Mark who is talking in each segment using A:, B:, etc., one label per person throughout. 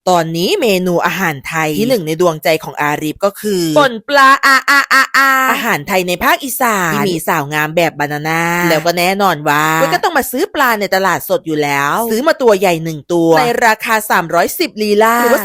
A: ตอนนี้เมนูอาหารไทยที่หนึ่งในดวงใจของอารีฟก็คือป่นปลาอาหารไทยในภาคอีสานที่มีสาวงามแบบบานาน่าแล้วก็แน่นอนว่าก็ต้องมาซื้อปลาในตลาดสดอยู่แล้วซื้อมาตัวใหญ่1ตัวในราคา310ลีลาหรือว่า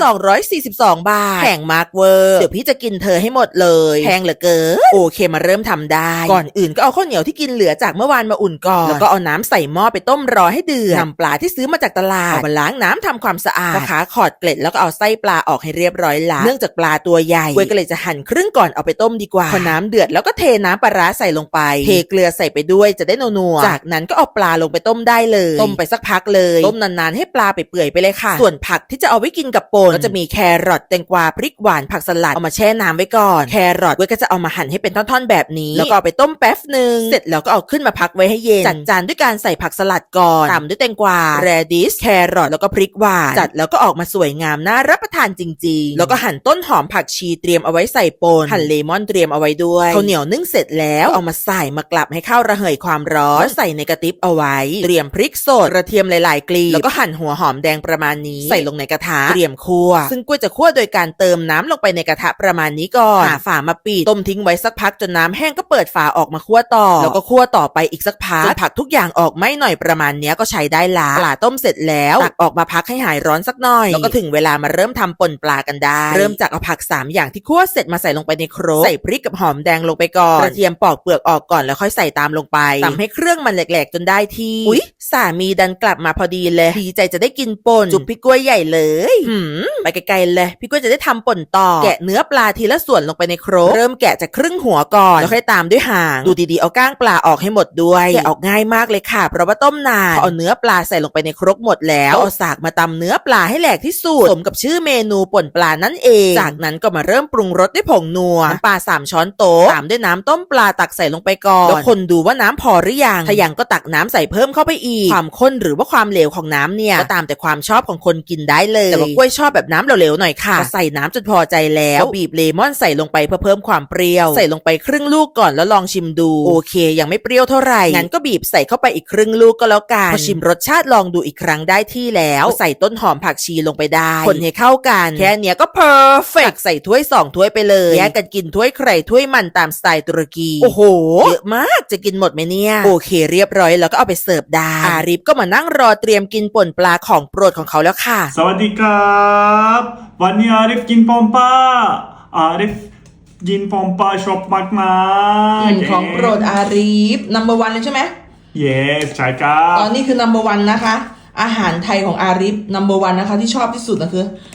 A: 242 บาทแพงมากเวอร์เดี๋ยวพี่จะกินเธอให้หมดเลยแพงเหลือเกินโอเคมาเริ่มทำได้ก่อนอื่นก็เอาข้าวเหนียวที่กินเหลือจากเมื่อวานมาอุ่นก่อนแล้วก็เอาน้ำใส่หม้อไปต้มรอให้เดือดนำปลาที่ซื้อมาจากตลาดเอามาล้างน้ำทำความสะอาดขาขอดเกล็ดแล้วก็เอาไส้ปลาออกให้เรียบร้อยละเนื่องจากปลาตัวใหญ่เว้ยก็เลยจะหั่นครึ่งก่อนเอาไปต้มดีกว่าพอน้ำเดือดแล้วก็เทน้ำปลาร้าใส่ลงไปเทเกลือใส่ไปด้วยจะได้นัวๆจากนั้นก็เอาปลาลงไปต้มได้เลยต้มไปสักพักเลยต้มนานๆให้ปลาไปเปื่อยไปเลยค่ะส่วนผักที่จะเอาไว้กินกับป่นก็จะมีแครอทแตงกวาพริกหวานผักสลัดเอามาแช่น้ำไว้ก่อนแครอทเว้ยก็จะเอามาหั่นให้เป็นท่อนๆแบบนี้แล้วก็เอาไปต้มแป๊บนึงเสร็จแล้วก็เอาขึ้นมาพักไว้ให้เย็นจัดจานด้วยการใส่ผักสลัดก่อนตามด้วยแตงกวาแรดิชแครอทแล้วก็พริกหวานจัดแล้วก็ออกมาสวยงามน่ารับประทานจริงๆแล้วก็หั่นต้นหอมผักชีเตรียมเอาไว้ใส่ป่นหั่นเลมอนเตรียมเอาไว้ด้วยข้าวเหนียวนึ่งเสร็จแล้วเอามาใส่มากลับให้ข้าวระเหยความร้อนใส่ในกระติบเอาไว้เตรียมพริกสดกระเทียมหลายๆกลีบแล้วก็หั่นหัวหอมแดงประมาณนี้ใส่ลงในกระทะเตรียมคั่วซึ่งกล้วยจะคั่วโดยการเติมน้ำลงไปในกระทะประมาณนี้ก่อนหาฝามาปิดต้มทิ้งไว้สักพักจนน้ำแห้งก็เปิดฝาออกมาคั่วต่อแล้วก็คั่วต่อไปอีกสักพักจนผักทุกอย่างออกไม่หน่อยประมาณนี้ก็ใช้ได้ละปลาต้มเสร็จแล้วตักออกมาพักให้หายร้อนสักหน่อยแล้วก็ถึงเวลามาเริ่มทำป่นปลากันได้เริ่มจากเอาผัก3อย่างที่คั่วเสร็จมาใส่ลงไปในโครกใส่พริกกับหอมแดงลงไปก่อนกระเทียมปอกเปลือกออกก่อนแล้วค่อยใส่ตามลงไปตำให้เครื่องมันแหลกๆจนได้ที่อุ๊ยสามีดันกลับมาพอดีเลยดีใจจะได้กินป่นจุบพี่กล้วยใหญ่เลยไปไกลๆเลยพี่กล้วยจะได้ทำป่นต่อแกะเนื้อปลาทีละส่วนลงไปในโครกเริ่มแกะจากครึ่งหัวก่อนแล้วค่อยตามด้วยหางดูดีๆเอาก้างปลาออกให้หมดด้วยแกะออกง่ายมากเลยค่ะเพราะว่าต้มนานพอเอาเนื้อปลาใส่ลงไปในโครกหมดแล้วเอาสากมาตำเนื้อปลาให้แหลกที่สุดสมกับชื่อเมนูป่นปลานั่นเองจากนั้นก็มาเริ่มปรุงรสด้วยผงนัวน้ำปลา3 ช้อนโต๊ะตามด้วยน้ำต้มปลาตักใส่ลงไปก่อนแล้วคนดูว่าน้ำพอหรือยังถ้ายังก็ตักน้ำใส่เพิ่มเข้าไปอีกความข้นหรือว่าความเหลวของน้ำเนี่ยก็ตามแต่ความชอบของคนกินได้เลยแต่ว่ากล้วยชอบแบบน้ำเหลวๆหน่อยค่ะใส่น้ำจนพอใจแล้วก็บีบเลมอนใส่ลงไปเพื่อเพิ่มความเปรี้ยวใส่ลงไปครึ่งลูกก่อนแล้วลองชิมดูโอเคยังไม่เปรี้ยวเท่าไหร่งั้นก็บีบใส่เข้าไปอีกครึ่งลูกก็แล้วกันพอชิมรสชาติลองดูอีกครั้งได้ที่แล้วใส่ต้นหอมผักชีลงไปได้คนให้เข้ากันแค่เนี้ยก็เพอร์เฟกต์ใส่ถ้วย2 ถ้วยไปเลยแยกกันกินถ้วยใครถ้วยมันตามสไตล์ตุรกีโอ้โหเยอะมากจะกินหมดไหมเนี่ยโอเคเรียบร้อยแล้วก็เอาไปเสิร์ฟได้อาริฟก็มานั่งรอเตรียมกินป่นปลาของโปรดของเขาแล้วค่ะ
B: สวัสดีครับวันนี้อาริฟกินปอมป้าอาริฟกินปอมป้าชอบมากๆ
A: ของโปรดอาริฟnumber 1เลยใช่ไหม
B: yes ใช่ครับ
A: ตอนนี้คือ number 1นะคะอาหารไทยของอาริฟ number 1นะคะที่ชอบที่สุดนะคือ